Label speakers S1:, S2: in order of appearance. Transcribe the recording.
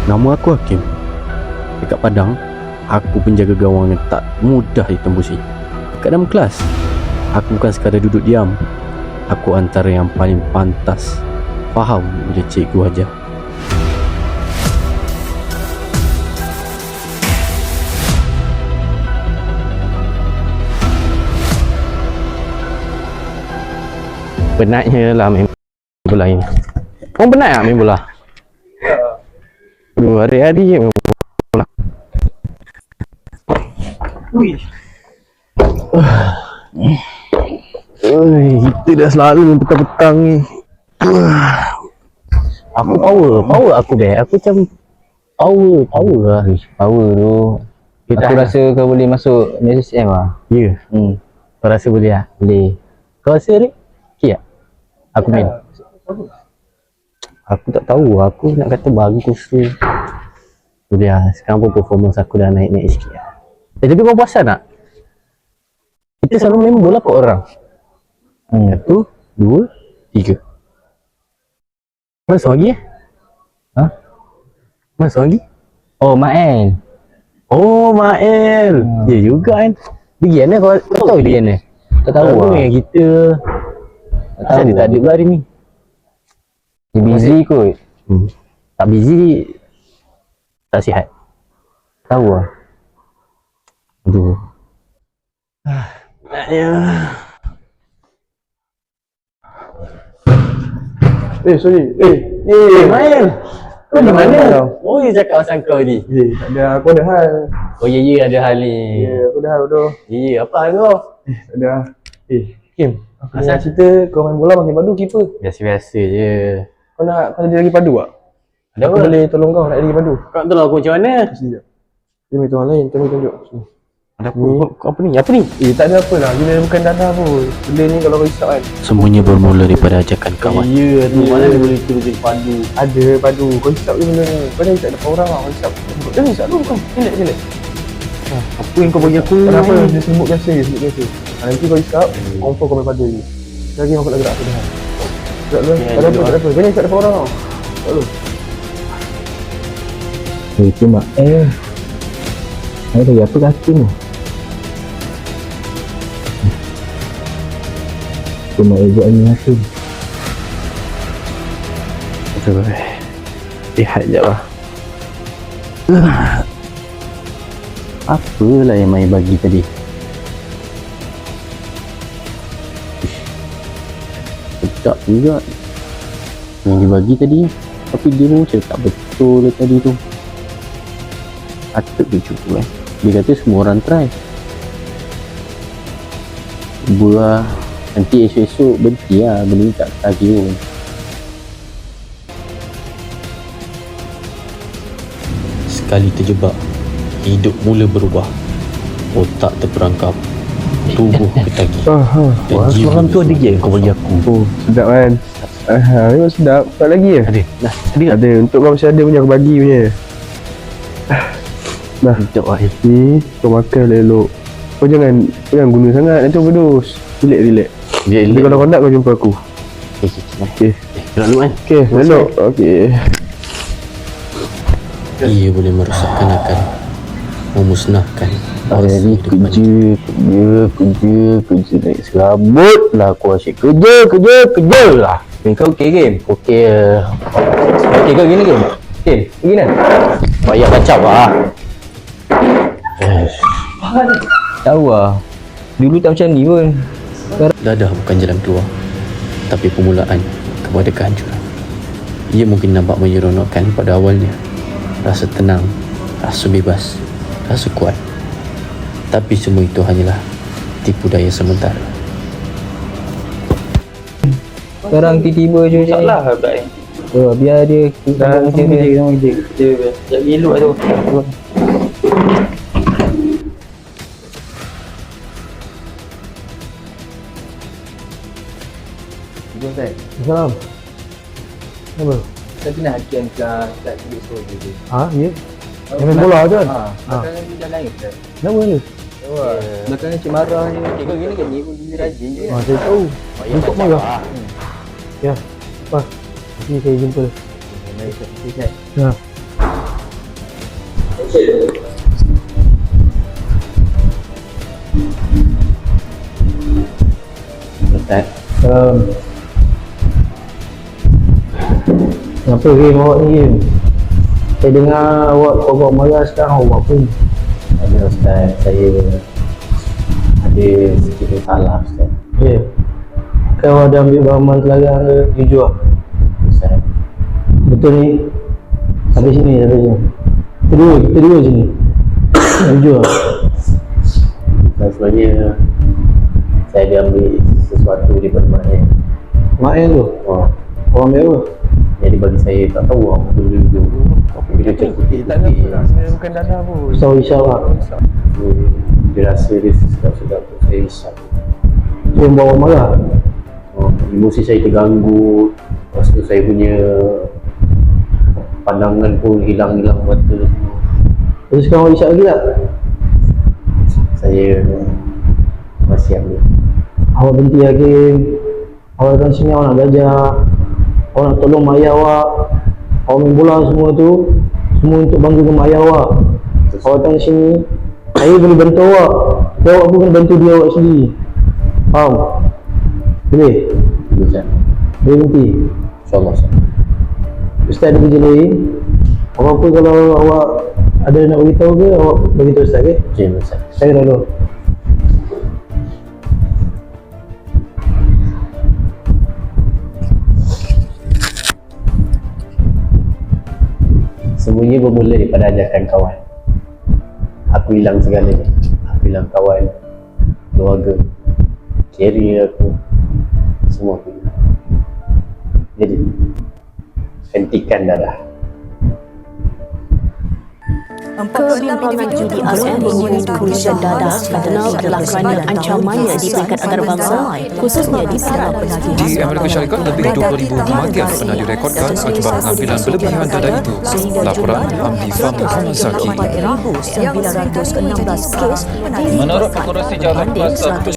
S1: Nama aku Hakim. Dekat Padang, aku penjaga gawang yang tak mudah ditembusi. Dekat dalam kelas, aku bukan sekadar duduk diam. Aku antara yang paling pantas faham bila cikgu ajar. Penatnya lah main bola ini. Orang penat tak main bola? Hari-hari je main bola. Kita dah selalu main petang-petang ni. Aku power aku Aku macam power lah.
S2: Power tu aku rasa kau boleh masuk SSM lah.
S1: Ya.
S2: Kau rasa boleh lah? Boleh. Kau rasa ni? Okay tak? Aku main.
S1: Aku tak tahu. Aku nak kata bagus tu. Boleh lah. Sekarang pun performance aku dah naik-naik sikit lah. Tapi kau puasan tak? Kita selalu main bola 4 orang. 1, 2, 3. Mana seorang lagi
S2: Ha?
S1: Mana seorang lagi?
S2: Oh, Mael.
S1: Oh, Mael. Ya juga kan. Dia Gian lah. Kau tahu dia Gian lah?
S2: Tak tahu lah.
S1: Dengan kita. Asal dia tak ada pula hari ni.
S2: Dia busy kot.
S1: Tak busy. Tak sihat.
S2: Tahu lah.
S1: Aduh. Naknya.
S3: Sorry.
S1: Mael. Kau di mana?
S3: Kau?
S1: Oh, dia cakap pasal kau ni.
S3: Tak ada, aku ada hal.
S1: Oh, ya ada hal ni.
S3: Aku ada hal tu.
S1: Ya, apa hal kau?
S3: Tak ada. Kim, aku
S1: Asal?
S3: nak cerita kau main bola makin padu keeper.
S1: Biasa-biasa je.
S3: Kau jadi lagi padu tak?
S1: Ada
S3: Aku
S1: apa?
S3: boleh tolong kau nak jadi lagi padu.
S1: Kau nak tolong aku macam mana?
S3: Sekejap. Dia main orang lain, kau tunjuk. Sini.
S1: Ada apa? Kau apa ni? Apa ni?
S3: Tak ada apa lah. Gila bukan dana pun. Benda ni kalau kau risau kan.
S1: Semuanya bermula daripada ajakan kawan.
S3: Ya tu.
S1: Mana dia boleh turun jadi padu?
S3: Ada padu. Kau risau je benda ni. Kau jangan risau depan orang lah. Kau risau. Jangan risau dulu kau. Relax.
S1: Apa yang kau bagi aku?
S3: Kenapa? Dia sebut biasa. Nanti kau risau, confirm kau main padu je. Lagi aku nak gerak aku dah. Gerak dulu. Tak ada apa. Kau jangan risau depan orang tau. Tak dulu.
S2: Itu Mak. Saya bagi apa kaki ni? Cuma buat ni hasil.
S1: Betul. Lihat je lah. Apalah yang Mai bagi tadi? Sedap juga yang dibagi tadi. Tapi dia pun macam tak betul tadi tu. Patut dia cuba Dia kata semua orang try. Buah. Nanti esok-esok berhenti lah. Benda ni tak lagi pun. Sekali terjebak, hidup mula berubah. Otak terperangkap, tubuh ketagi. Dan jiwa tu ada je kau bagi aku.
S3: Oh, sedap kan? Memang sedap. Tak lagi ya?
S1: Ada. Dah. Tadi dah.
S3: Ada. Untuk kau masih ada punya aku bagi punya. Dah.
S1: Sekejap lah.
S3: Ni kau makan elok. Kau jangan guna sangat. Nanti overdose. Relax. Jadi kalau kau nak kau jumpa aku.
S1: Okay. Gerak dulu kan.
S3: Okay, elok. Okay.
S1: Ia boleh merosakkan akal, memusnahkan.
S2: Hari ni kerja naik serabut lah. Aku asyik kerja lah. Kau okey game?
S1: Okey.
S2: Okey kau gini game? Game? Begini kan?
S1: Payah kacau lah.
S2: Tahu lah. Dulu tak macam ni pun.
S1: Dadah bukan jalan keluar, tapi permulaan kepada kehancuran. Ia mungkin nampak menyeronokkan pada awalnya. Rasa tenang, rasa bebas, rasa kuat. Tapi semua itu hanyalah tipu daya sementara.
S2: Sekarang tiba-tiba je macam ni.
S3: Salah pula ni.
S2: Biar dia
S3: Dah
S2: macam dia.
S3: Dia elok tu. Salam. Apa?
S2: Saya pernah hakian kat bilik sekolah tu.
S3: Ha, ya. Yang main bola tu kan?
S2: Belakangan dia dah lain ke?
S3: Kenapa ni?
S2: Belakangan cik marah ni. Cik kau gini kan ni pun dia rajin je.
S3: Saya tahu. Untuk marah. Ya. Apa? Sini saya jumpa.
S2: Baik,
S3: Ya.
S1: Ustaz,
S2: Kenapa game awak ni game? Saya dengar awak kau marah sekarang awak pun.
S1: ada Ustaz, saya ada sedikit salah Ustaz.
S2: Ya. Kau ada ambil barang terlarang ke jujur lah?
S1: Ustaz,
S2: Betul ni? Sampai sini, sampai sini. Kita dua sini. Jujur lah.
S1: Ustaz sebenarnya saya ada ambil sesuatu daripada mak saya.
S2: Mak yang tu?
S1: Oh,
S2: Orang ambil apa?
S1: jadi bagi saya tak tahu apa dulu bila cek putih
S3: Tak ada pun. Sebenarnya bukan dadah pun.
S2: Ustaz Isyaf lah.
S1: dia rasa dia sedap-sedap tu saya risau.
S2: Tu yang bawa marah.
S1: Emosi saya terganggu, lepas tu saya punya pandangan pun hilang-hilang mata semua.
S2: Terus sekarang awak Isyaf lagi tak?
S1: Saya masih ambil.
S2: Awak berhenti lagi. Awak datang sini awak nak belajar. Awak nak tolong mak ayah awak. Awak main bola semua tu semua untuk banggakan mak ayah awak. Awak datang sini, saya boleh bantu awak, tapi awak pun kena bantu dia awak sendiri. Faham? Boleh?
S1: Ustaz,
S2: Boleh berhenti?
S1: InsyaAllah Ustaz.
S2: Ustaz ada kerja lain. Apa-apa kalau awak ada nak beritahu ke, awak beritahu Ustaz ke?
S1: Okey Ustaz.
S2: Saya dah dulu.
S1: Semuanya bermula daripada ajakan kawan. Aku hilang segalanya. Aku hilang kawan, keluarga, career aku, semua aku hilang. Jadi, hentikan darah.
S4: Kebimbangan judi RM mengenai tulisan dadah dikenal adalah kerana ancamannya di peringkat antarabangsa, khususnya di bidang penagihan.
S5: Di Amerika Syarikat, lebih 20,000 kematian pernah direkodkan akibat pengambilan berlebihan dadah itu. Laporan Amdi Fam Muhammad Zaki.
S4: 4,916 kes
S6: Menurut Pengurusi Jalan Kuasa